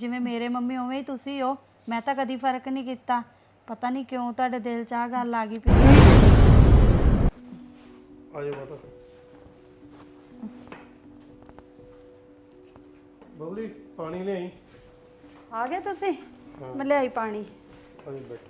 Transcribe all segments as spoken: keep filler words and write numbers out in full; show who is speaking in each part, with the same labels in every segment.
Speaker 1: ਜਿਵੇਂ ਮੇਰੇ ਮੰਮੀ ਉਵੇਂ ਹੀ ਤੁਸੀਂ ਹੋ। ਮੈਂ ਤਾਂ ਕਦੀ ਫਰਕ ਨਹੀਂ ਕੀਤਾ। ਪਤਾ ਨਹੀਂ ਕਿਉਂ ਤੁਹਾਡੇ ਦਿਲ 'ਚ ਆ ਗੱਲ ਆ ਗਈ ਪਈ।
Speaker 2: ਆ ਜਾ ਮਾਤਾ। ਬਬਲੀ ਪਾਣੀ ਲਿਆਈ।
Speaker 1: ਆ ਗਏ ਤੁਸੀਂ? ਮੈਂ ਲਿਆਈ ਪਾਣੀ।
Speaker 2: ਆ ਜਾ ਬੈਠ।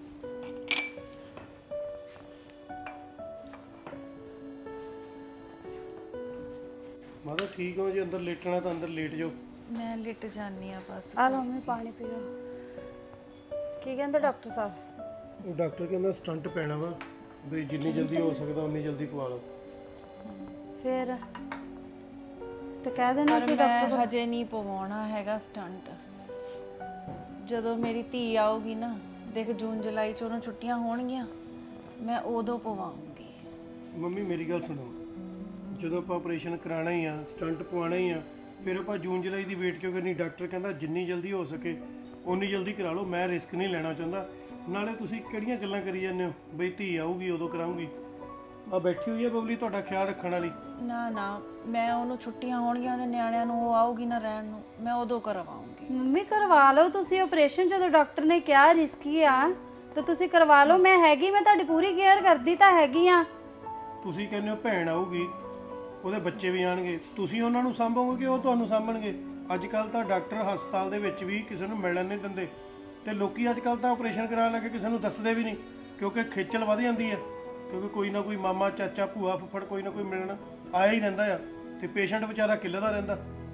Speaker 2: ਮਾਤਾ ਠੀਕ ਹੋ ਜੀ? ਅੰਦਰ ਲੇਟਣਾ ਤਾਂ ਅੰਦਰ ਲੇਟ ਜਾਓ।
Speaker 3: ਮੈਂ ਲਿਟ ਜਾਨੀ ਆ ਬਸ।
Speaker 1: ਆ ਲਓ ਮੰਮੀ ਪਾਣੀ ਪੀਓ। ਕੀ ਕਹਿੰਦੇ ਡਾਕਟਰ ਸਾਹਿਬ?
Speaker 2: ਉਹ ਡਾਕਟਰ ਕਹਿੰਦਾ ਸਟੰਟ ਪੈਣਾ ਵਾ ਵੀ ਜਿੰਨੀ ਜਲਦੀ ਹੋ ਸਕਦਾ ਉਨੀ ਜਲਦੀ ਪਵਾ ਲਓ।
Speaker 1: ਫਿਰ ਤੇ ਕਹਿ ਦੇਣਾ
Speaker 3: ਪਰ
Speaker 1: ਸੀ
Speaker 3: ਮੈਂ
Speaker 1: ਡਾਕਟਰ।
Speaker 3: ਹਜੇ ਨਹੀਂ ਪਵਾਉਣਾ ਹੈਗਾ ਸਟੰਟ। ਜਦੋਂ ਮੇਰੀ ਧੀ ਆਊਗੀ ਨਾ, ਦੇਖ ਜੂਨ ਜੁਲਾਈ ਚ ਉਹਨੂੰ ਛੁੱਟੀਆਂ ਹੋਣਗੀਆਂ, ਮੈਂ ਉਦੋਂ ਪਵਾਉਂਗੀ।
Speaker 2: ਮੰਮੀ ਮੇਰੀ ਗੱਲ ਸੁਣੋ, ਜਦੋਂ ਆਪਾਂ ਆਪਰੇਸ਼ਨ ਕਰਾਉਣਾ ਹੀ ਆ, ਸਟੰਟ ਪਵਾਉਣਾ ਹੀ ਆ, ਫਿਰ ਆਪਾਂ ਜੂਨ ਜੁਲਾਈ ਦੀ ਵੇਟ ਕਿਉਂ ਕਰਨੀ? ਡਾਕਟਰ ਕਹਿੰਦਾ ਜਿੰਨੀ ਜਲਦੀ ਹੋ ਸਕੇ ਉਨੀ ਜਲਦੀ ਕਰਾ ਲਓ। ਮੈਂ ਰਿਸਕ ਨਹੀਂ ਲੈਣਾ ਚਾਹੁੰਦਾ। ਨਾਲੇ ਤੁਸੀਂ ਕਿਹੜੀਆਂ ਗੱਲਾਂ ਕਰੀ ਜਾਂਦੇ ਹੋ ਬਈ ਧੀ ਆਊਗੀ ਉਦੋਂ ਕਰਾਉਂਗੀ? ਆ ਬੈਠੀ ਹੋਈ ਹੈ ਬਬਲੀ ਤੁਹਾਡਾ ਖਿਆਲ ਰੱਖਣ ਵਾਲੀ।
Speaker 3: ਨਾ ਨਾ, ਮੈਂ ਉਹਨੂੰ ਛੁੱਟੀਆਂ ਹੋਣਗੀਆਂ, ਉਹਦੇ ਨਿਆਣਿਆਂ ਨੂੰ, ਉਹ ਆਊਗੀ ਨਾ ਰਹਿਣ ਨੂੰ, ਮੈਂ ਉਦੋਂ ਕਰਵਾਉਂਗੀ।
Speaker 1: ਮੰਮੀ ਕਰਵਾ ਲਓ ਤੁਸੀਂ ਆਪਰੇਸ਼ਨ। ਜਦੋਂ ਡਾਕਟਰ ਨੇ ਕਿਹਾ ਰਿਸਕੀ ਆ ਤਾਂ ਤੁਸੀਂ ਕਰਵਾ ਲਓ। ਮੈਂ ਹੈਗੀ, ਮੈਂ ਤੁਹਾਡੀ ਪੂਰੀ ਕੇਅਰ ਕਰਦੀ ਤਾਂ ਹੈਗੀ ਆ।
Speaker 2: ਤੁਸੀਂ ਕਹਿੰਦੇ ਹੋ ਭੈਣ ਆਊਗੀ, ਉਹਦੇ ਬੱਚੇ ਵੀ ਆਣਗੇ, ਤੁਸੀਂ ਉਹਨਾਂ ਨੂੰ ਸਾਂਭੋਗੇ ਕਿ ਉਹ ਤੁਹਾਨੂੰ ਸਾਂਭਣਗੇ? ਅੱਜ ਕੱਲ੍ਹ ਤਾਂ ਡਾਕਟਰ ਹਸਪਤਾਲ ਦੇ ਵਿੱਚ ਵੀ ਕਿਸੇ ਨੂੰ ਮਿਲਣ ਨਹੀਂ ਦਿੰਦੇ, ਤੇ ਲੋਕੀ ਅੱਜ ਕੱਲ੍ਹ ਤਾਂ ਆਪਰੇਸ਼ਨ ਕਰਾਉਣ ਲੱਗੇ ਕਿਸੇ ਨੂੰ ਦੱਸਦੇ ਵੀ ਨਹੀਂ, ਕਿਉਂਕਿ ਖੇਚਲ ਵਧ ਜਾਂਦੀ ਹੈ। ਕਿਉਂਕਿ ਕੋਈ ਨਾ ਕੋਈ ਮਾਮਾ, ਚਾਚਾ, ਭੂਆ, ਫੁੱਫੜ ਕੋਈ ਨਾ ਕੋਈ ਮਿਲਣ ਆਇਆ ਹੀ ਰਹਿੰਦਾ ਆ, ਤੇ ਪੇਸ਼ੈਂਟ ਵਿਚਾਰਾ ਕਿੱਲਦਾ ਰਹਿੰਦਾ।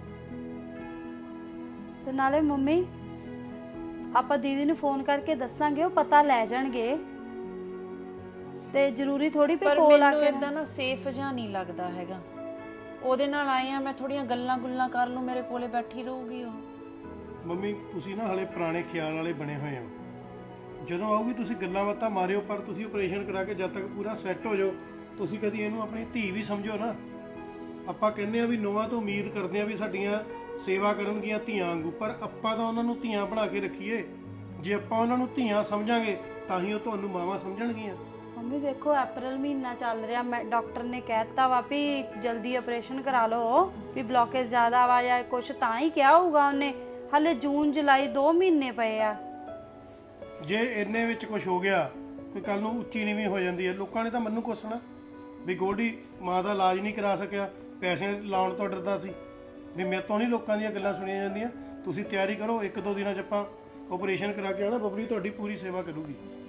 Speaker 1: ਤੇ ਨਾਲੇ ਮੰਮੀ ਆਪਾਂ ਦੀਦੀ ਨੂੰ ਫੋਨ ਕਰਕੇ ਦੱਸਾਂਗੇ, ਉਹ ਪਤਾ ਲੈ ਜਾਣਗੇ। ਤੇ ਜ਼ਰੂਰੀ ਥੋੜੀ ਪਈ
Speaker 3: ਪਰ
Speaker 1: ਕੋਲ ਆ
Speaker 3: ਮੈਨੂੰ
Speaker 1: ਕੇ।
Speaker 3: ਇਦਾਂ ਨਾ ਸੇਫ ਜਿਹਾ ਨਹੀਂ ਲੱਗਦਾ ਹੈਗਾ। ਉਹਦੇ ਨਾਲ ਆਏ ਆ, ਮੈਂ ਥੋੜੀਆਂ ਗੱਲਾਂ ਗੁੱਲਾਂ ਕਰ ਲੂੰ, ਮੇਰੇ ਕੋਲੇ ਬੈਠੀ ਰਹੂਗੀ ਉਹ।
Speaker 2: ਮੰਮੀ ਤੁਸੀਂ ਨਾ ਹਲੇ ਪੁਰਾਣੇ ਖਿਆਲ ਵਾਲੇ ਬਣੇ ਹੋਏ ਹੋ। ਜਦੋਂ ਆਊਗੀ ਤੁਸੀਂ ਗੱਲਾਂ ਬਾਤਾਂ ਮਾਰਿਓ, ਪਰ ਤੁਸੀਂ ਆਪਰੇਸ਼ਨ ਕਰਾ ਕੇ ਜਦ ਤੱਕ ਪੂਰਾ ਸੈੱਟ ਹੋ ਜਾਓ, ਤੁਸੀਂ ਕਦੀ ਇਹਨੂੰ ਆਪਣੀ ਧੀ ਵੀ ਸਮਝੋ ਨਾ। ਆਪਾਂ ਕਹਿੰਦੇ ਆ ਵੀ ਨੌਵਾਂ ਤੋਂ ਉਮੀਦ ਕਰਦੇ ਆ ਵੀ ਸਾਡੀਆਂ ਸੇਵਾ ਕਰਨਗੀਆਂ ਧੀਆਂ ਵਾਂਗੂ, ਪਰ ਆਪਾਂ ਤਾਂ ਉਹਨਾਂ ਨੂੰ ਧੀਆਂ ਬਣਾ ਕੇ ਰੱਖੀਏ। ਜੇ ਆਪਾਂ ਉਹਨਾਂ ਨੂੰ ਧੀਆਂ ਸਮਝਾਂਗੇ ਤਾਂ ਹੀ ਉਹ ਤੁਹਾਨੂੰ ਮਾਵਾਂ ਸਮਝਣਗੀਆਂ।
Speaker 1: ਮੰਮੀ ਵੇਖੋ ਅਪ੍ਰੈਲ ਮਹੀਨਾ ਚੱਲ ਰਿਹਾ, ਮੈਂ ਡਾਕਟਰ ਨੇ ਕਹਿਤਾ ਵਾ ਵੀ ਜਲਦੀ ਆਪਰੇਸ਼ਨ ਕਰਾ ਲਓ, ਵੀ ਬਲੌਕੇਜ ਜ਼ਿਆਦਾ ਵਾ ਜਾਂ ਕੁਛ, ਤਾਂ ਹੀ ਕਿਹਾ ਹੋਊਗਾ ਉਹਨੇ। ਹਲੇ ਜੂਨ ਜੁਲਾਈ ਦੋ ਮਹੀਨੇ ਪਏ ਆ।
Speaker 2: ਜੇ ਇੰਨੇ ਵਿੱਚ ਕੁਝ ਹੋ ਗਿਆ, ਕੋਈ ਕੱਲ ਨੂੰ ਉੱਚੀ ਨੀਵੀਂ ਹੋ ਜਾਂਦੀ ਹੈ, ਲੋਕਾਂ ਨੇ ਤਾਂ ਮੈਨੂੰ ਕੋਸਣਾ ਵੀ ਗੋਲਡੀ ਮਾਂ ਦਾ ਇਲਾਜ ਨਹੀਂ ਕਰਾ ਸਕਿਆ, ਪੈਸੇ ਲਾਉਣ ਤੋਂ ਡਰਦਾ ਸੀ। ਵੀ ਮੇਰੇ ਤੋਂ ਨਹੀਂ ਲੋਕਾਂ ਦੀਆਂ ਗੱਲਾਂ ਸੁਣੀਆਂ ਜਾਂਦੀਆਂ। ਤੁਸੀਂ ਤਿਆਰੀ ਕਰੋ, ਇੱਕ ਦੋ ਦਿਨਾਂ 'ਚ ਆਪਾਂ ਆਪਰੇਸ਼ਨ ਕਰਾ ਕੇ ਆਉਣਾ। ਬਬਲੀ ਤੁਹਾਡੀ ਪੂਰੀ ਸੇਵਾ ਕਰੂਗੀ।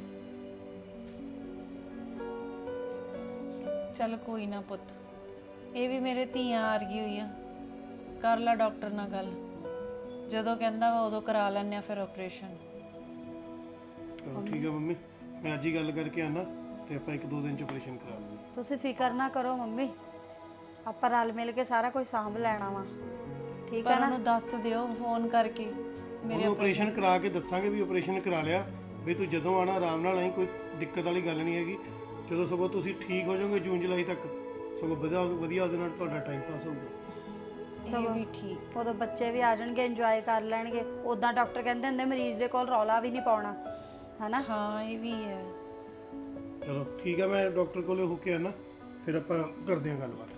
Speaker 3: ਚੱਲ ਕੋਈ ਨਾ ਪੁੱਤ, ਇਹ ਵੀ ਮੇਰੇ ਧੀਆਂ ਆ ਰਹੀ ਹੋਈ ਆ। ਕਰ ਲੈ ਡਾਕਟਰ ਨਾਲ ਗੱਲ, ਜਦੋਂ ਕਹਿੰਦਾ ਵਾ ਉਦੋਂ ਕਰਾ ਲੈਣੇ ਆ ਫਿਰ ਆਪਰੇਸ਼ਨ।
Speaker 2: ਚਲੋ ਠੀਕ ਹੈ ਮੰਮੀ, ਮੈਂ ਅੱਜ ਹੀ ਗੱਲ ਕਰਕੇ ਆਉਣਾ, ਤੇ ਆਪਾਂ ਇੱਕ ਦੋ ਦਿਨ 'ਚ ਆਪਰੇਸ਼ਨ ਕਰਾ ਲਵਾਂਗੇ।
Speaker 1: ਤੁਸੀਂ ਫਿਕਰ ਨਾ ਕਰੋ ਮੰਮੀ, ਆਪਾਂ ਰਲ ਮਿਲ ਕੇ ਸਾਰਾ ਕੁਝ ਸਾਂਭ ਲੈਣਾ ਵਾ। ਠੀਕ ਹੈ
Speaker 3: ਪਰ
Speaker 1: ਨਾ?
Speaker 3: ਉਹਨੂੰ ਦੱਸ ਦਿਓ ਫੋਨ ਕਰਕੇ ਮੇਰੇ
Speaker 2: ਆਪਰੇਸ਼ਨ ਕਰਾ ਕੇ ਦੱਸਾਂਗੇ ਵੀ ਆਪਰੇਸ਼ਨ ਕਰਾ ਲਿਆ, ਵੀ ਤੂੰ ਜਦੋਂ ਆਣਾ ਆਰਾਮ ਨਾਲ ਆਈ, ਕੋਈ ਦਿੱਕਤ ਵਾਲੀ ਗੱਲ ਨਹੀਂ ਹੈਗੀ। ਜਦੋਂ ਸਗੋਂ ਤੁਸੀਂ ਠੀਕ ਹੋ ਜਾਓਗੇ ਜੂਨ ਜੁਲਾਈ ਤੱਕ, ਸਗੋਂ ਵਧੀਆ ਵਧੀਆ ਉਹਦੇ ਨਾਲ ਤੁਹਾਡਾ ਟਾਈਮ ਪਾਸ ਹੋਊਗਾ।
Speaker 3: ਇਹ ਵੀ ਠੀਕ।
Speaker 1: ਉਦੋਂ ਬੱਚੇ ਵੀ ਆ ਜਾਣਗੇ, ਇੰਜੋਏ ਕਰ ਲੈਣਗੇ। ਉਦਾਂ ਡਾਕਟਰ ਕਹਿੰਦੇ ਹੁੰਦੇ ਮਰੀਜ਼ ਦੇ ਕੋਲ ਰੌਲਾ ਵੀ ਨਹੀਂ ਪਾਉਣਾ, ਹਨਾ?
Speaker 3: ਹਾਂ ਇਹ ਵੀ ਹੈ।
Speaker 2: ਚਲੋ ਠੀਕ ਹੈ, ਮੈਂ ਡਾਕਟਰ ਕੋਲੇ ਹੋ ਕੇ ਆਣਾ, ਫਿਰ ਆਪਾਂ ਕਰਦੇ ਹਾਂ ਗੱਲਬਾਤ।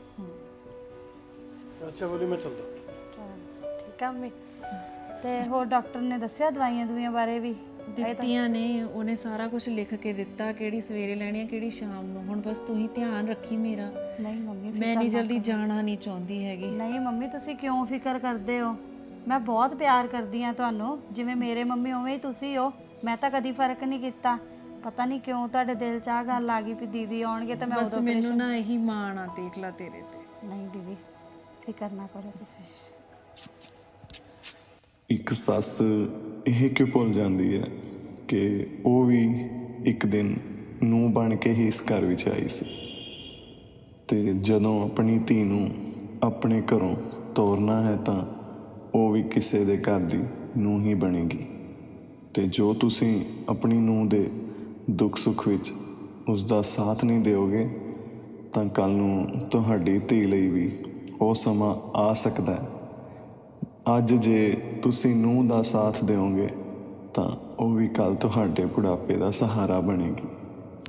Speaker 2: ਅੱਛਾ ਬੋਲੀ, ਮੈਂ ਚੱਲਦਾ।
Speaker 1: ਠੀਕ ਆ ਮੰਮੀ। ਤੇ ਹੋਰ ਡਾਕਟਰ ਨੇ ਦੱਸਿਆ ਦਵਾਈਆਂ ਦੁਈਆਂ ਬਾਰੇ ਵੀ?
Speaker 3: ਦਿੱਤੀਆਂ ਨੇ ਉਹਨੇ, ਸਾਰਾ ਕੁਝ ਲਿਖ ਕੇ ਦਿੱਤਾ, ਕਿਹੜੀ ਸਵੇਰੇ ਲੈਣੀ ਆ ਕਿਹੜੀ ਸ਼ਾਮ ਨੂੰ। ਹੁਣ ਬਸ ਤੂੰ ਹੀ ਧਿਆਨ ਰੱਖੀ ਮੇਰਾ।
Speaker 1: ਨਹੀਂ ਮੰਮੀ,
Speaker 3: ਮੈਂ ਨਹੀਂ ਜਲਦੀ ਜਾਣਾ ਨਹੀਂ ਚਾਹੁੰਦੀ ਹੈਗੀ।
Speaker 1: ਨਹੀਂ ਮੰਮੀ, ਤੁਸੀਂ ਕਿਉਂ ਫਿਕਰ ਕਰਦੇ ਹੋ? ਮੈਂ ਬਹੁਤ ਪਿਆਰ ਕਰਦੀ ਆ ਤੁਹਾਨੂੰ, ਜਿਵੇਂ ਮੇਰੇ ਮੰਮੀ ਉਵੇਂ ਹੀ ਤੁਸੀਂ ਹੋ। ਮੈਂ ਤਾਂ ਕਦੀ ਫਰਕ ਨਹੀਂ ਕੀਤਾ। ਪਤਾ ਨਹੀਂ ਕਿਉਂ ਤੁਹਾਡੇ ਦਿਲ 'ਚ ਆ ਗੱਲ ਆ ਗਈ ਵੀ ਦੀਦੀ ਆਉਣਗੇ ਤਾਂ ਮੈਂ
Speaker 3: ਬਸ ਮੈਨੂੰ ਨਾ ਇਹੀ ਮਾਣ ਆ, ਦੇਖ ਲਾ ਤੇਰੇ ਤੇ।
Speaker 1: ਨਹੀਂ ਦੀਦੀ ਫਿਕਰ ਨਾ ਕਰੋ ਤੁਸੀਂ।
Speaker 4: ਇੱਕ ਸੱਸ ਇਹ ਕਿਉਂ ਭੁੱਲ ਜਾਂਦੀ ਹੈ ਕਿ ਉਹ ਵੀ ਇੱਕ ਦਿਨ ਨੂੰਹ ਬਣ ਕੇ ਹੀ ਇਸ ਘਰ ਵਿੱਚ ਆਈ ਸੀ, ਤੇ ਜਦੋਂ ਆਪਣੀ ਧੀ ਨੂੰ ਆਪਣੇ ਘਰੋਂ ਤੋਰਨਾ ਹੈ ਤਾਂ ਉਹ ਵੀ ਕਿਸੇ ਦੇ ਘਰ ਦੀ ਨੂੰਹ ਹੀ ਬਣੇਗੀ। ਤੇ ਜੋ ਤੁਸੀਂ ਆਪਣੀ ਨੂੰਹ ਦੇ ਦੁੱਖ ਸੁੱਖ ਵਿੱਚ ਉਸ ਦਾ ਸਾਥ ਨਹੀਂ ਦਿਓਗੇ ਤਾਂ ਕੱਲ੍ਹ ਨੂੰ ਤੁਹਾਡੀ ਧੀ ਲਈ ਵੀ ਉਹ ਸਮਾਂ ਆ ਸਕਦਾ ਹੈ। ਅੱਜ ਜੇ ਤੁਸੀਂ ਨੂੰਹ ਦਾ ਸਾਥ ਦਿਓਗੇ ਤਾਂ ਉਹ ਵੀ ਕੱਲ੍ਹ ਤੁਹਾਡੇ ਬੁਢਾਪੇ ਦਾ ਸਹਾਰਾ ਬਣੇਗੀ।